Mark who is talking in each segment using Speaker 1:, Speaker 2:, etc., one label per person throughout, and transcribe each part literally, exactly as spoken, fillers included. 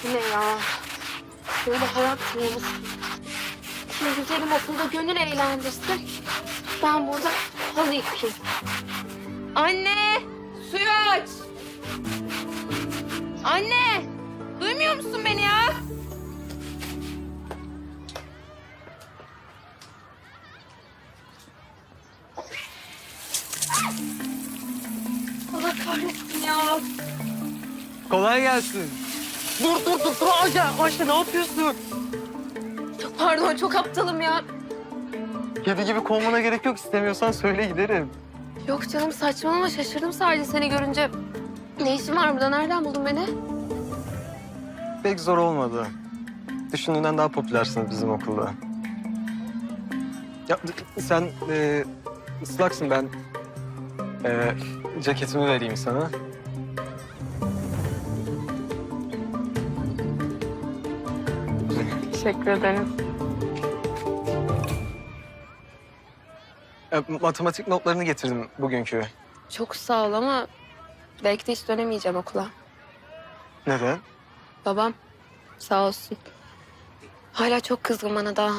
Speaker 1: Bu ne ya? Böyle hayat mıyız? Şimdi güzelim okulda gönül eğlendirsin. Ben burada halı yıkayayım. Anne! Suyu aç! Anne! Duymuyor musun beni ya? Allah kahretsin ya.
Speaker 2: Kolay gelsin. Dur dur dur dur Ayşe. Ayşe ne yapıyorsun?
Speaker 1: Çok pardon, çok aptalım ya.
Speaker 2: Kedi gibi kovmana gerek yok. İstemiyorsan söyle giderim.
Speaker 1: Yok canım, saçmalama, şaşırdım sadece seni görünce. Ne işin var burada? Nereden buldun beni?
Speaker 2: Pek zor olmadı. Düşündüğünden daha popülersiniz bizim okulda. Ya sen e, ıslaksın, ben e, ceketimi vereyim sana.
Speaker 1: Teşekkür ederim.
Speaker 2: E, matematik notlarını getirdim bugünkü.
Speaker 1: Çok sağ ol ama belki de hiç dönemeyeceğim okula.
Speaker 2: Neden?
Speaker 1: Babam sağ olsun. Hala çok kızgın bana daha.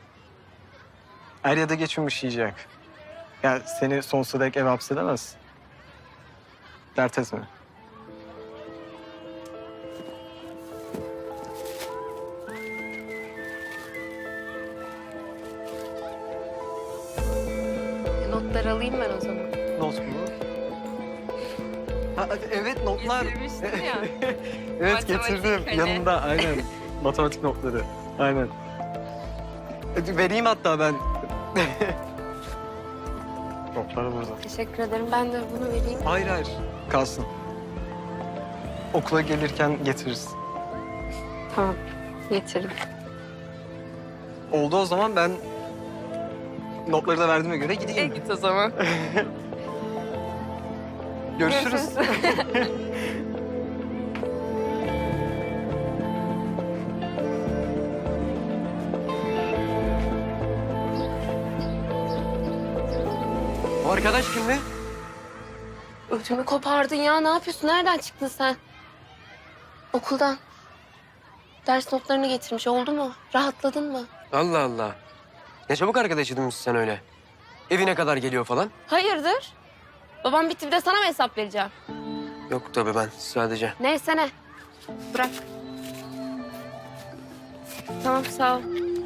Speaker 2: Er ya da geç yumuşayacak. Ya seni sonsuza dek eve hapsedemez. Dert etme.
Speaker 1: Notları alayım ben o zaman.
Speaker 2: Not mu? Ha, evet notlar.
Speaker 1: Getirmiştin ya.
Speaker 2: Evet
Speaker 1: Matematik
Speaker 2: getirdim.
Speaker 1: hani.
Speaker 2: Yanında aynen. Matematik notları. Aynen. E, Vereyim hatta ben. Notları burada.
Speaker 1: Teşekkür ederim. Ben de bunu vereyim.
Speaker 2: Hayır hayır. Kalsın. Okula gelirken getiririz.
Speaker 1: Tamam. Getiririm.
Speaker 2: Oldu o zaman, ben notları da verdiğime göre gideyim.
Speaker 1: git o zaman.
Speaker 2: Görüşürüz.
Speaker 3: O arkadaş kimdi?
Speaker 1: Ödümü kopardın ya. Ne yapıyorsun? Nereden çıktın sen? Okuldan. Ders notlarını getirmiş. Oldu mu? Rahatladın mı?
Speaker 3: Allah Allah. Ne çabuk arkadaş edinmişsin sen öyle. Evine kadar geliyor falan.
Speaker 1: Hayırdır? Babam bitti, bir de sana mı hesap vereceğim?
Speaker 3: Yok tabii, ben sadece.
Speaker 1: Neyse ne. Bırak. Tamam, sağ ol.